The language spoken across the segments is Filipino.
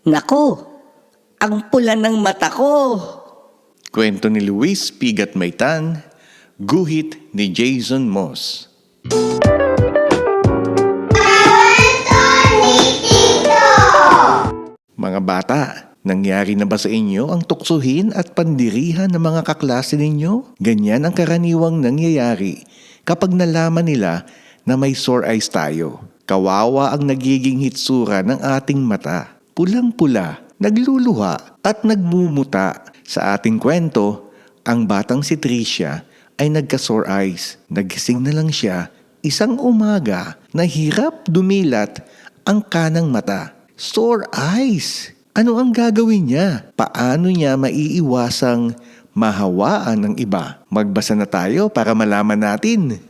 Nako, ang pula ng mata ko. Kwento ni Luis Pigat Maitan, guhit ni Jason Moss. Mga bata, nangyari na ba sa inyo ang tuksuhin at pandirihan ng mga kaklase ninyo? Ganyan ang karaniwang nangyayari kapag nalaman nila na may sore eyes tayo. Kawawa ang nagiging hitsura ng ating mata. Pulang-pula, nagluluha at nagmumuta. Sa ating kwento, ang batang si Tricia ay nagka-sore eyes. Nagising na lang siya isang umaga na hirap dumilat ang kanang mata. Sore eyes! Ano ang gagawin niya? Paano niya maiiwasang mahawaan ng iba? Magbasa na tayo para malaman natin.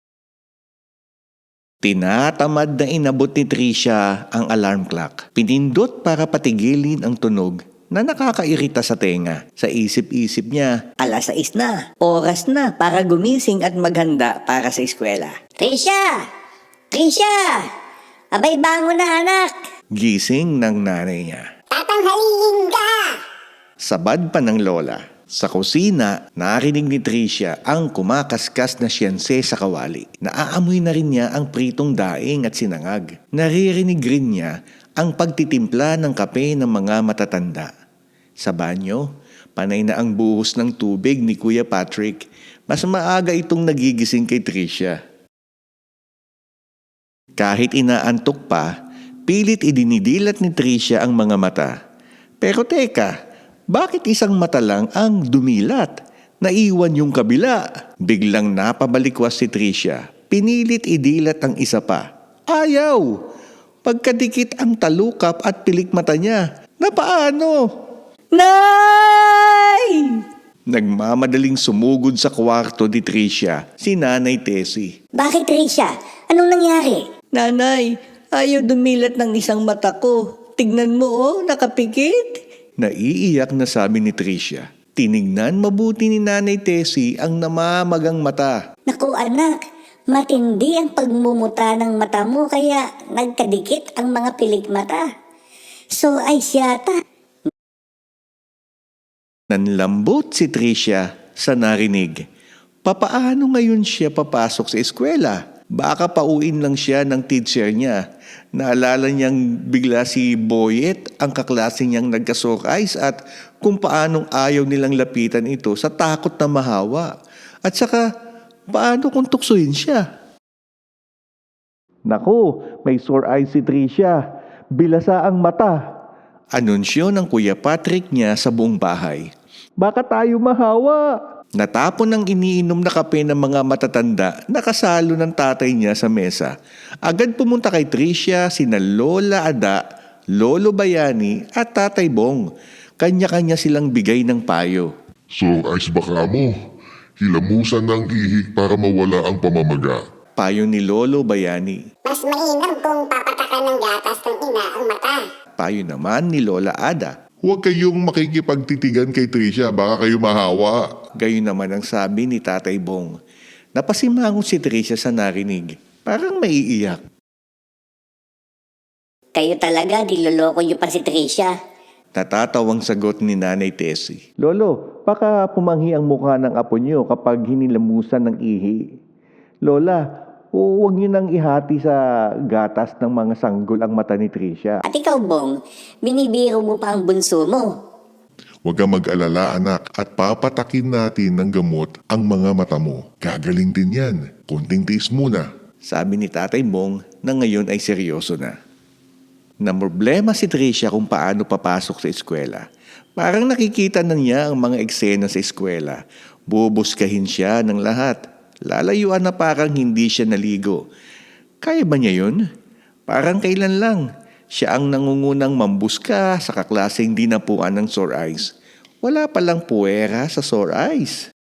Tinatamad na inabot ni Tricia ang alarm clock. Pinindot para patigilin ang tunog na nakakairita sa tenga. Sa isip-isip niya, 6:00 na. Oras na para gumising at maghanda para sa eskwela. Tricia! Tricia! Abay, bangon na anak! gising ng nanay niya. Tatanghaliin ka! Sabad pa ng lola. Sa kusina, narinig ni Tricia ang kumakaskas na siyense sa kawali. Naaamoy na rin niya ang pritong daing at sinangag. Naririnig rin niya ang pagtitimpla ng kape ng mga matatanda. Sa banyo, panay na ang buhos ng tubig ni Kuya Patrick. Mas maaga itong nagigising kay Tricia. Kahit inaantok pa, pilit idinidilat ni Tricia ang mga mata. Pero teka, bakit isang mata lang ang dumilat? Naiwan yung kabila. Biglang napabalikwas si Tricia. Pinilit idilat ang isa pa. Ayaw! Pagkadikit ang talukap at pilik mata niya. Na paano? Nay! Nagmamadaling sumugod sa kwarto ni Tricia si Nanay Tessie. Bakit, Tricia? Anong nangyari? Nanay, ayaw dumilat ng isang mata ko. Tignan mo nakapikit. Naiiyak na sabi ni Tricia. Tinignan mabuti ni Nanay Tessie ang namamagang mata. Naku anak, matindi ang pagmumuta ng mata mo kaya nagkadikit ang mga pilik mata. So ay siyata. Nanlambot si Tricia sa narinig. Papaano ngayon siya papasok sa eskwela? Baka pauin lang siya ng teacher niya. Naalala niyang bigla si Boyet, ang kaklase niyang nagka-sore eyes at kung paanong ayaw nilang lapitan ito sa takot na mahawa. At saka, paano kung tuksuhin siya? Naku, may sore eyes si Tricia. Bilasa ang mata. Anunsyo ng Kuya Patrick niya sa buong bahay. Baka tayo mahawa. Natapon ang iniinom na kape ng mga matatanda na kasalo ng tatay niya sa mesa. Agad pumunta kay Tricia sina Lola Ada, Lolo Bayani at Tatay Bong. Kanya-kanya silang bigay ng payo. Sore eyes baka mo. Hilamusan ng ihi para mawala ang pamamaga. Payo ni Lolo Bayani. Mas mainam kung papatakan ng gatas ng ina ang mata. Payo naman ni Lola Ada. Huwag kayong makikipagtitigan kay Tricia, baka kayo mahawa. Gayon naman ang sabi ni Tatay Bong. Napasimangon si Tricia sa narinig. Parang maiiyak. Kayo talaga, niloloko niyo pa si Tricia. Natatawang sagot ni Nanay Tessie. Lolo, baka pumanghi ang mukha ng apo niyo kapag hinilamusan ng ihi. Lola, huwag niyo nang ihati sa gatas ng mga sanggol ang mata ni Tricia. At ikaw, Bong, binibiro mo pa ang bunso mo. Huwag kang mag-alala anak at papatakin natin ng gamot ang mga mata mo. Gagaling din yan. Konting tiis muna. Sabi ni Tatay Bong na ngayon ay seryoso na. Namroblema si Tricia kung paano papasok sa eskwela. Parang nakikita na niya ang mga eksena sa eskwela. Bubuskahin siya ng lahat. Lalayuan na parang hindi siya naligo. Kaya ba niya yun? Parang kailan lang. Siya ang nangungunang mambuska sa kaklaseng dinapuan ng sore eyes. Wala palang puwera sa sore eyes.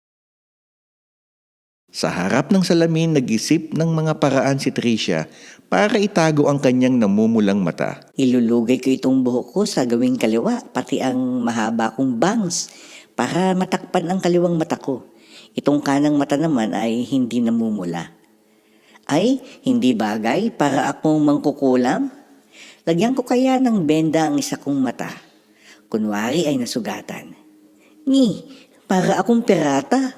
Sa harap ng salamin, nag-isip ng mga paraan si Tricia para itago ang kanyang namumulang mata. Ilulugay ko itong buhok ko sa gawing kaliwa, pati ang mahaba kong bangs, para matakpan ang kaliwang mata ko. Itong kanang mata naman ay hindi namumula. Ay, hindi bagay para akong mangkukulam. Lagyan ko kaya ng benda ang isa kong mata. Kunwari ay nasugatan. Para akong pirata.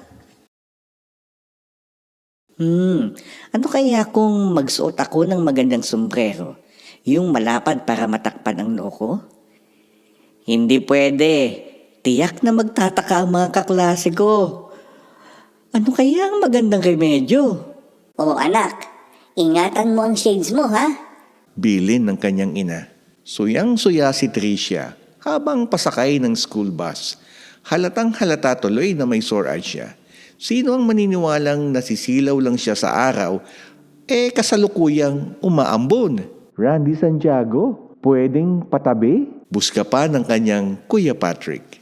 Ano kaya kung magsuot ako ng magandang sombrero? Yung malapad para matakpan ang noo ko? Hindi pwede. Tiyak na magtataka ang mga kaklase ko. Ano kaya ang magandang remedyo? Oo anak, ingatan mo ang shades mo ha. Bilin ng kanyang ina. Suyang-suya si Tricia habang pasakay ng school bus. Halatang halata tuloy na may sore eyes siya. Sino ang maniniwalang nasisilaw lang siya sa araw, kasalukuyang umaambon? Randy Santiago, pwedeng patabi? Buska pa ng kanyang Kuya Patrick.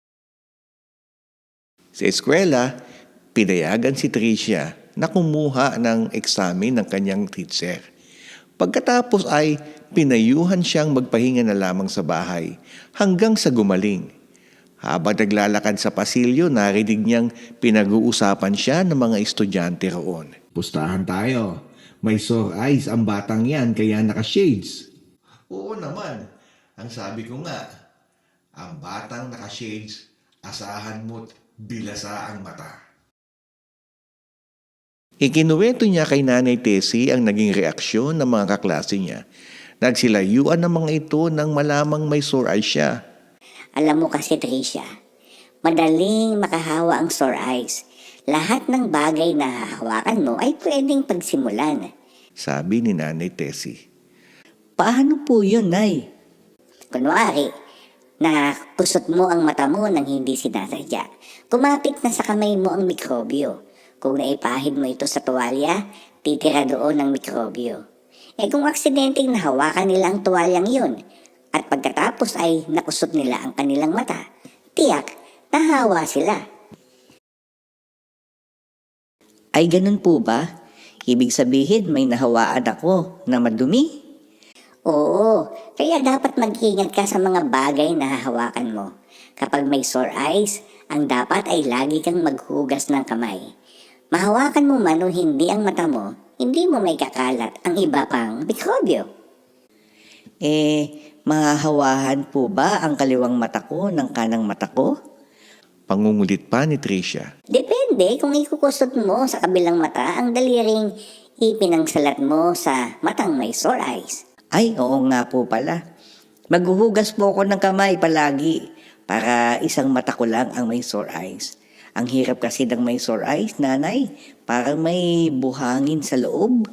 Sa eskwela, pinayagan si Tricia na kumuha ng eksamen ng kanyang teacher. Pagkatapos ay pinayuhan siyang magpahinga na lamang sa bahay hanggang sa gumaling. Habang naglalakad sa pasilyo, narinig niyang pinag-uusapan siya ng mga estudyante roon. Pustahan tayo. May sore eyes ang batang yan kaya naka-shades. Oo naman. Ang sabi ko nga, ang batang naka-shades, asahan mo't bilasa ang mata. Ikinuwento niya kay Nanay Tessie ang naging reaksyon ng mga kaklase niya. Nagsilayuan ng mga ito nang malamang may sore eyes siya. Alam mo kasi Tricia, madaling makahawa ang sore eyes. Lahat ng bagay na hahawakan mo ay pwedeng pagsimulan. Sabi ni Nanay Tessie. Paano po yun, Nay? Kunwari, nakusot mo ang mata mo nang hindi sinasadya. Kumapit na sa kamay mo ang mikrobyo. Kung naipahid mo ito sa tuwalya, titira doon ang mikrobyo. Kung aksidenteng nahawakan nila ang tuwalyang yun, at pagkatapos ay nakusot nila ang kanilang mata, tiyak, nahawa sila. Ay ganun po ba? Ibig sabihin may nahawaan ako na madumi? Oo, kaya dapat mag-ingat ka sa mga bagay na hahawakan mo. Kapag may sore eyes, ang dapat ay lagi kang maghugas ng kamay. Mahawakan mo man o hindi ang mata mo, hindi mo may kakalat ang iba pang mikrobyo. Mahahawahan po ba ang kaliwang mata ko ng kanang mata ko? Pangungulit pa ni Tricia. Depende kung ikukusot mo sa kabilang mata ang daliring ipinangsalat mo sa matang may sore eyes. Ay, oo nga po pala. Maghuhugas po ako ng kamay palagi para isang mata ko lang ang may sore eyes. Ang hirap kasi ng may sore eyes, nanay. Parang may buhangin sa loob.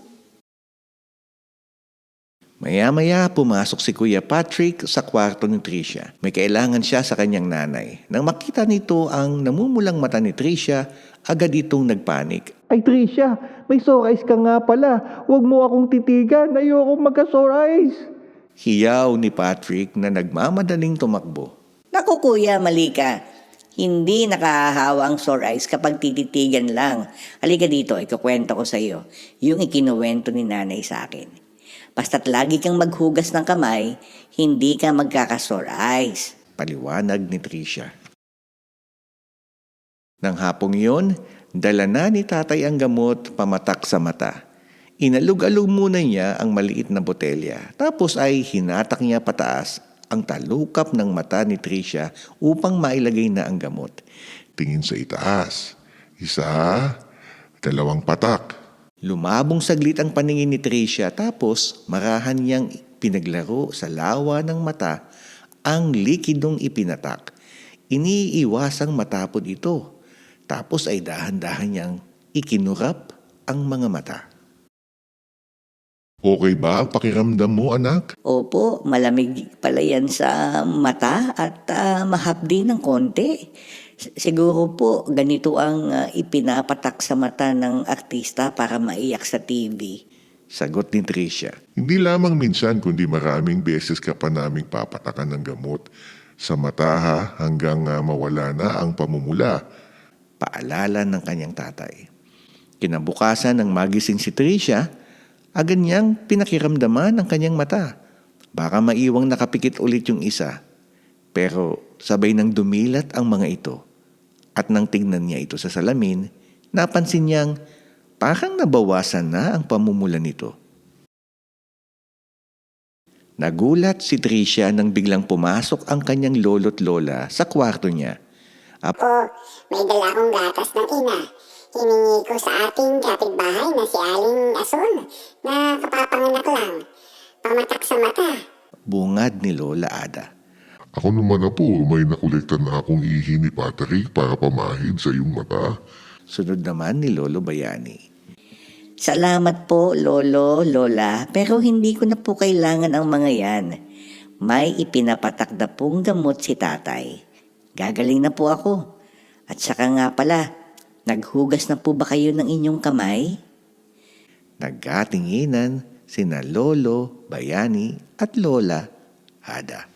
Maya-maya pumasok si Kuya Patrick sa kwarto ni Tricia. May kailangan siya sa kanyang nanay. Nang makita nito ang namumulang mata ni Tricia, agad itong nagpanik. Ay Tricia, may sore eyes ka nga pala. Huwag mo akong titigan. Ayokong magka-sore eyes. Hiyaw ni Patrick na nagmamadaling tumakbo. Naku kuya, mali ka. Hindi nakahahawa ang sore eyes kapag tititigan lang. Halika dito, ikukwento ko sa iyo yung ikinuwento ni nanay sa akin. Basta't lagi kang maghugas ng kamay, hindi ka magkaka-sore eyes. Paliwanag ni Tricia. Nang hapong yun, dala na ni tatay ang gamot pamatak sa mata. Inalog-alog muna niya ang maliit na botelya. Tapos ay hinatak niya pataas ang talukap ng mata ni Tricia upang mailagay na ang gamot. Tingin sa itaas. 1, 2 patak. Lumabong saglit ang paningin ni Tricia tapos marahan niyang pinaglaro sa lawa ng mata ang likidong ipinatak. Iniiwasang matapod ito. Tapos ay dahan-dahan niyang ikinurap ang mga mata. Okay ba ang pakiramdam mo, anak? Opo, malamig pala yan sa mata at mahapdi ng konti. Siguro po ganito ang ipinapatak sa mata ng artista para maiyak sa TV. Sagot ni Tricia. Hindi lamang minsan kundi maraming beses ka pa naming papatakan ng gamot sa mata ha, hanggang mawala na ang pamumula. Paalala ng kanyang tatay. Kinabukasan ng magising si Tricia, agad niyang pinakiramdaman ang kanyang mata. Baka maiwang nakapikit ulit yung isa. Pero sabay nang dumilat ang mga ito. At nang tingnan niya ito sa salamin, napansin niyang parang nabawasan na ang pamumula nito. Nagulat si Tricia nang biglang pumasok ang kanyang lolo't lola sa kwarto niya. Po, may dala akong gatas ng ina. Hiningi ko sa ating kapitbahay na si Aling Ason na kapapanganak lang. Pamatak sa mata. Bungad ni Lola Ada. Ako naman na po, may nakolekta na akong ihi ni Patrick para pamahid sa iyong mata. Sunod naman ni Lolo Bayani. Salamat po, Lolo, Lola, pero hindi ko na po kailangan ang mga yan. May ipinapatak na pong gamot si tatay. Gagaling na po ako. At saka nga pala, naghugas na po ba kayo ng inyong kamay? Nagkatinginan sina Lolo Bayani at Lola Ada.